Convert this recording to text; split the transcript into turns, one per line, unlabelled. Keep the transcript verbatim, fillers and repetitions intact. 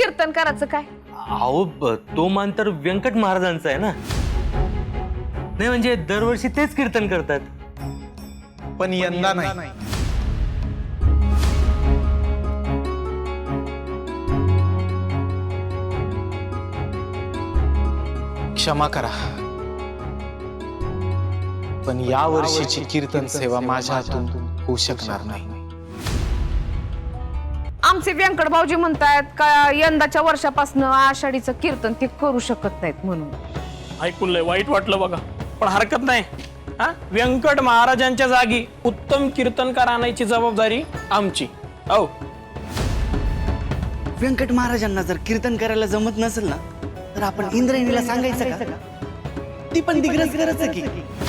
कीर्तन करायचं काय?
अहो ब- तो मान तर व्यंकट महाराजांचा आहे ना. नाही म्हणजे दरवर्षी तेच कीर्तन करतात.
पण यंदा नाही. क्षमा करा, पण या वर्षीची कीर्तन सेवा माझ्या हातून होऊ शकणार नाही.
आमचे व्यंकट भाऊजी म्हणतायत का यंदाच्या वर्षापासून आषाढीचं कीर्तन ते करू शकत नाहीत म्हणून.
ऐकून लय वाईट वाटलं बघा, पण हरकत नाही. हा, व्यंकट महाराजांच्या जागी उत्तम कीर्तनकार आणायची जबाबदारी आमची. हो,
व्यंकट महाराजांना जर कीर्तन करायला जमत नसेल ना, तर आपण इंद्रायणीला सांगायचं का? ती पण दिग्रस करायचं की